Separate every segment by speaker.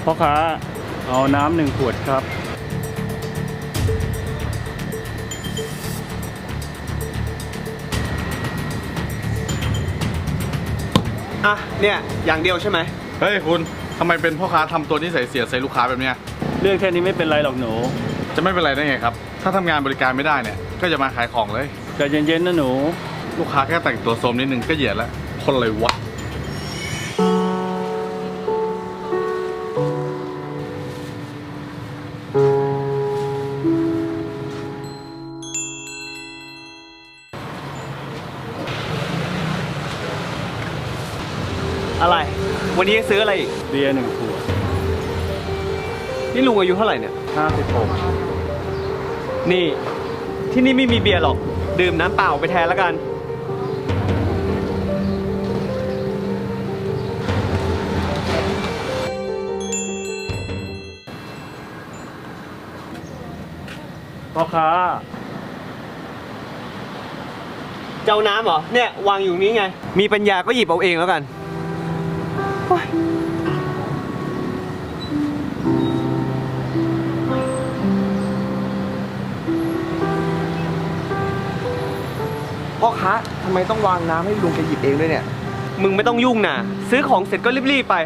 Speaker 1: พ่อค้าเอาน้ำ1 ขวดครับ
Speaker 2: อ่ะเนี่ยอย่างเดียวใช่ไหม
Speaker 3: เฮ้ยคุณทำไมเป็นพ่อค้าทำตัวนิสัยเสียใส่ลูกค้าแบบเนี้ย
Speaker 1: เรื่องแค่นี้ไม่เป็นไรหรอกหนู
Speaker 3: จะไม่เป็นไรได้ไงครับถ้าทำงานบริการไม่ได้เนี่ยก็จะมาขายของเลย
Speaker 1: ใจเย็นๆนะหนู
Speaker 3: ลูกค้าแค่แต่งตัวโสมนิดนึงก็เหยียดแล้วคนเลยวะ
Speaker 2: อะไรวันนี้ซื้ออะไรอีก
Speaker 1: เบียร์1 ขวด
Speaker 2: นี่ลุงอายุเท่าไหร่เนี่ย
Speaker 1: 56
Speaker 2: นี่ที่นี่ไม่มีเบียร์หรอกดื่มน้ำเปล่าไปแทนแล้วกัน
Speaker 1: พ่อค้า
Speaker 2: เจ้าน้ำเหรอเนี่ยวางอยู่นี้ไงมีปัญญาก็หยิบเอาเองแล้วกันโอ๊ย
Speaker 4: พ่อค้าทำไมต้องวางน้ำให้ลุงแกหยิบเองด้วยเนี่ย
Speaker 2: มึงไม่ต้องยุ่งนะซื้อของเสร็จก็รีบๆไป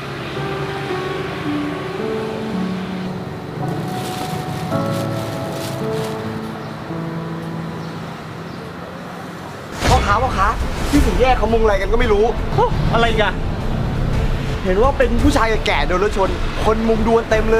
Speaker 4: พ่อค้าที่ถึงแยกเขามุงอะไรกันก็ไม่รู้
Speaker 2: อะไรอีกัน
Speaker 4: เห็นว่าเป็นผู้ชายแก่ๆโดนรถชน คนมุงดูกันเต็มเลย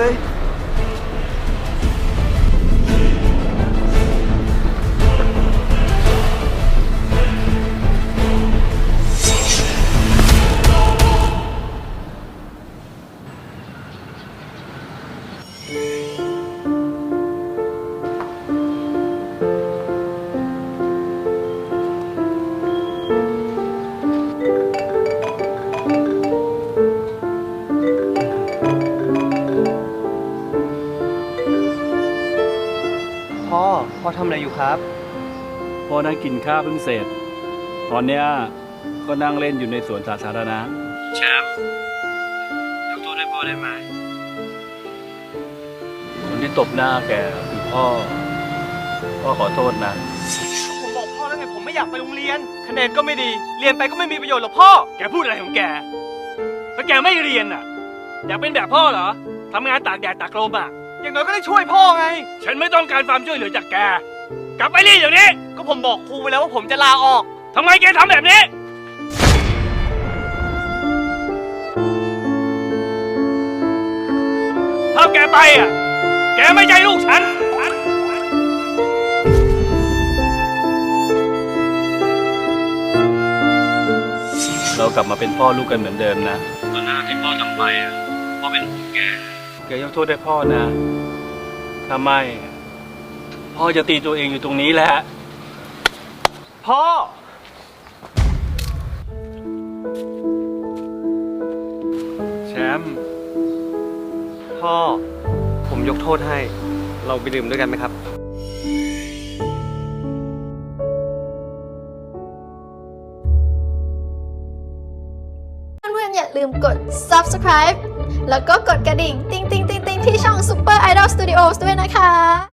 Speaker 2: พ่อทำอะไรอยู่ครับ
Speaker 1: พ่อนั่งกินข้าวเพิ่งเสร็จ ตอนเนี้ยก็นั่งเล่นอยู่ในสวนสาธารณะแชมป์ยกโทษให้พ่อได้ไหมคนที่ตบหน้าแกคือพ่อขอโทษนะ
Speaker 2: ผมบอกพ่อแล้วไงผมไม่อยากไปโรงเรียนคะแนนก็ไม่ดีเรียนไปก็ไม่มีประโยชน์หรอกพ่อ
Speaker 1: แกพูดอะไรของแกถ้าแกไม่เรียนอ่ะอยากเป็นแบบพ่อเหรอทำงานตากแดดตากลมอ่ะ
Speaker 2: อย่างน้อยก็ได้ช่วยพ่อไง
Speaker 1: ฉันไม่ต้องการความช่วยเหลือจากแกกลับไปเรียนเดี๋ยวนี้
Speaker 2: ก็ผมบอกครูไปแล้วว่าผมจะลาออก
Speaker 1: ทำไมแกทำแบบนี้ถ้าแกไปอ่ะแกไม่ใช่ลูกฉันเรากลับมาเป็นพ่อลูกกันเหมือนเดิมนะตอนหน้าที่พ่อทำไปอ่ะพ่อเป็นห่วงแกยกโทษให้พ่อนะถ้าไม่พ่อจะตีตัวเองอยู่ตรงนี้แหละ
Speaker 2: พ่อ
Speaker 1: แชมป์
Speaker 2: พ่อผมยกโทษให้ เราไปดื่มด้วยกันไหมครับ
Speaker 5: เพื่อนๆอย่าลืมกด subscribe แล้วก็กดกระดิ่ง ติ๊งๆๆๆที่ช่อง Super Idol Studios ด้วยนะคะ